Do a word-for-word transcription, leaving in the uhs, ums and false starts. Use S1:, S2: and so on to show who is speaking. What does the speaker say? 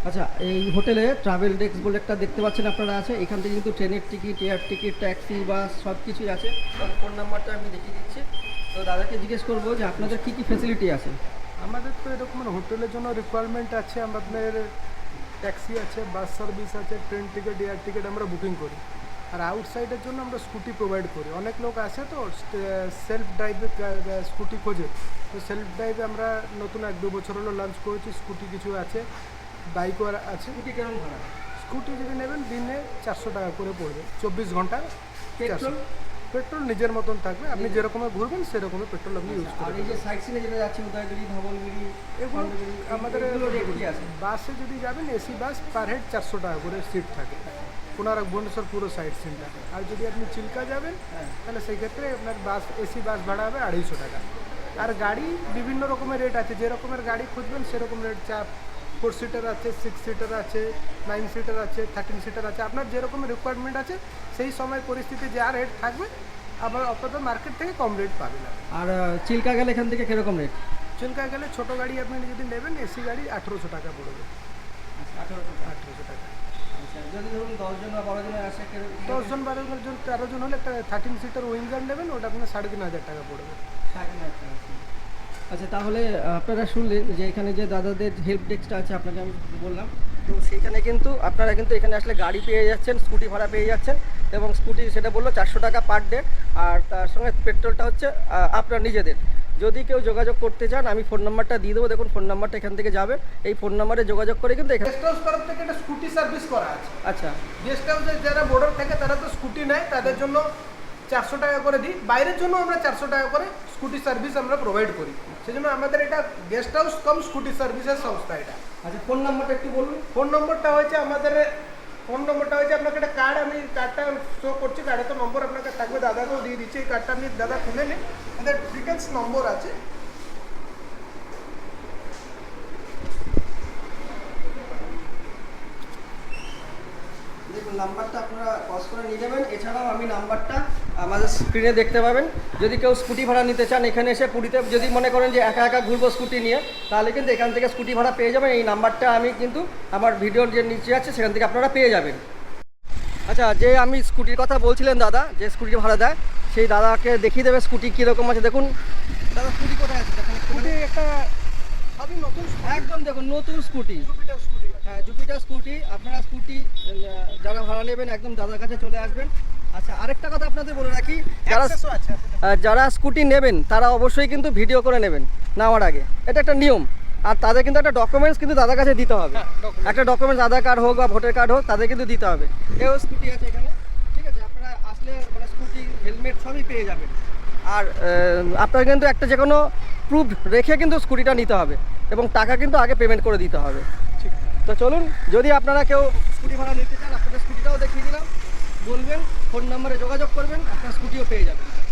S1: আচ্ছা, এই হোটেলে ট্রাভেল ডেস্ক বলে একটা দেখতে পাচ্ছেন আপনারা আছে। এখান থেকে কিন্তু ট্রেনের ticket, air ticket, taxi, bus সব কিছুই আছে। ফোন নাম্বারটা আমি দেখিয়ে দিচ্ছি। তো দাদাকে জিজ্ঞেস করবো যে আপনাদের কী কী ফ্যাসিলিটি আছে।
S2: আমাদের তো এরকম হোটেলের জন্য রিকোয়ারমেন্ট আছে, আমাদের ট্যাক্সি আছে, বাস সার্ভিস আছে, ট্রেন টিকিট, এয়ার টিকিট আমরা বুকিং করি। আর আউটসাইডের জন্য আমরা স্কুটি প্রোভাইড করি। অনেক লোক আসে তো সেলফ ড্রাইভে স্কুটি খোঁজে, তো সেলফ ড্রাইভে আমরা নতুন এক দু বছর হলো লঞ্চ করেছি। স্কুটি কিছু আছে, বাইকও আছে।
S1: স্কুটি কেমন ভাড়া?
S2: স্কুটি যদি নেবেন দিনে চারশো টাকা করে পড়বে, চব্বিশ ঘন্টা।
S1: পেট্রোল?
S2: পেট্রোল নিজের মতন থাকবে, আপনি যেরকমের ঘুরবেন সেরকমের পেট্রোল আপনি ইউজ
S1: আর
S2: করবেন।
S1: এই যে সাইট সিনে যেটা যাচ্ছে উদয়গিরি, ধবলগিরি,
S2: এগুলো আমাদের
S1: রেট কি আছে?
S2: বাসে যদি যাবেন এসি বাস পার হেড চারশো টাকা করে সিট থাকে, কোনারক ভুবনেশ্বর পুরো সাইড সিনটা। আর যদি আপনি চিল্কা যাবেন তাহলে সেই ক্ষেত্রে আপনার বাস এসি বাস ভাড়া হবে আড়াইশো টাকা। আর গাড়ি বিভিন্ন রকমের রেট আছে, যে রকমের গাড়ি খুঁজবেন সেরকম রেট। চা ফোর সিটার আছে, সিক্স সিটার আছে, নাইন সিটার আছে, থার্টিন সিটার আছে। আপনার যেরকম রিকোয়ারমেন্ট আছে সেই সময় পরিস্থিতি যা রেট থাকবে আবার আপনাদের মার্কেট থেকে কম রেট পাবেন।
S1: আর চিল্কা গেলে এখান থেকে কীরকম রেট?
S2: চিল্কা গেলে ছোটো গাড়ি আপনি যদি নেবেন এসি গাড়ি আঠেরোশো টাকা পড়বে।
S1: আঠারোশো
S2: আঠেরোশো টাকা।
S1: আচ্ছা, যদি ধরুন দশজন বা বারো জনের আসে,
S2: দশজন বারো জন তেরো জন হলে একটা থার্টিন সিটার উইঙ্গার নেবেন, ওটা আপনার সাড়ে তিন হাজার টাকা পড়বে।
S1: আচ্ছা, তাহলে আপনারা শুনলেন যে এখানে যে দাদাদের হেল্প ডেস্কটা আছে আপনাকে আমি বললাম, তো সেইখানে কিন্তু আপনারা কিন্তু এখানে আসলে গাড়ি পেয়ে যাচ্ছেন, স্কুটি ভাড়া পেয়ে যাচ্ছেন। এবং স্কুটি সেটা বললো চারশো টাকা পার ডে, আর তার সঙ্গে পেট্রোলটা হচ্ছে আপনার নিজেদের। যদি কেউ যোগাযোগ করতে চান আমি ফোন নাম্বারটা দিয়ে দেবো, দেখুন ফোন নাম্বারটা এখান থেকে যাবে। এই ফোন নাম্বারে যোগাযোগ করে কিন্তু এখানে
S2: গেস্ট হাউস তরফ থেকে একটা স্কুটি সার্ভিস করা আছে।
S1: আচ্ছা,
S2: গেস্ট হাউসে যারা বোর্ডার থাকে তারা তো স্কুটি নেয়, তাদের জন্য চারশো টাকা করে দিই। বাইরের জন্য আমরা চারশো টাকা করে স্কুটি সার্ভিস আমরা প্রোভাইড করি। সেজন্য আমাদের এটা গেস্ট হাউস কম স্কুটি সার্ভিসের সংস্থা এটা।
S1: আচ্ছা, ফোন নাম্বারটা একটু বলুন।
S2: ফোন নম্বরটা হয়েছে আমাদের ফোন নম্বরটা হয়েছে আপনাকে একটা কার্ড, আমি কার্ডটা শো করছি, কার্ডে তো নম্বর আপনাকে থাকবে, দাদাকেও দিয়ে দিচ্ছি। এই কার্ডটা আপনি দাদা খুলে নিন, আমাদের ডিটেলস নম্বর আছে।
S1: দেখুন নাম্বারটা আপনারা পজ করে নিয়ে যাবেন। এছাড়াও আমি নাম্বারটা আমাদের স্ক্রিনে দেখতে পাবেন। যদি কেউ স্কুটি ভাড়া নিতে চান এখানে এসে পুরীতে, যদি মনে করেন যে একা একা ঘুরবো স্কুটি নিয়ে, তাহলে কিন্তু এখান থেকে স্কুটি ভাড়া পেয়ে যাবেন। এই নাম্বারটা আমি কিন্তু আমার ভিডিওর যে নিচে আছে সেখান থেকে আপনারা পেয়ে যাবেন। আচ্ছা, যে আমি স্কুটির কথা বলছিলেন দাদা, যে স্কুটি ভাড়া দেয়, সেই দাদাকে দেখিয়ে দেবে স্কুটি কীরকম আছে। দেখুন দাদা স্কুটি কোথায় আছে, দেখুন
S2: স্কুটি একটা সবই নতুন,
S1: একদম দেখুন নতুন স্কুটি।
S2: Jupiter scooty.
S1: হ্যাঁ, জুপিটার স্কুটি। আপনারা স্কুটি যারা ভাড়া নেবেন একদম দাদার কাছে চলে আসবেন। আচ্ছা, আরেকটা কথা আপনাদের বলে রাখি, যারা যারা স্কুটি নেবেন তারা অবশ্যই কিন্তু ভিডিও করে নেবেন নেওয়ার আগে, এটা একটা নিয়ম। আর তাদের কিন্তু একটা ডকুমেন্টস কিন্তু দাদার কাছে দিতে হবে। একটা ডকুমেন্টস আধার কার্ড হোক বা ভোটার কার্ড হোক, তাদের কিন্তু দিতে হবে। এও স্কুটি আছে এখানে, ঠিক আছে। আপনারা আসলে মানে স্কুটি, হেলমেট সবই পেয়ে যাবেন। আর আপনার কিন্তু একটা যে কোনো প্রুফ রেখে কিন্তু স্কুটিটা নিতে হবে, এবং টাকা কিন্তু আগে পেমেন্ট করে দিতে হবে।
S2: ঠিক।
S1: তো চলুন, যদি আপনারা কেউ স্কুটি ভাড়া নিতে চান, আপনাদের স্কুটিটাও দেখিয়ে দিলাম, বলবেন, ফোন নাম্বারে যোগাযোগ করবেন, আপনার স্কুটিও পেয়ে যাবেন।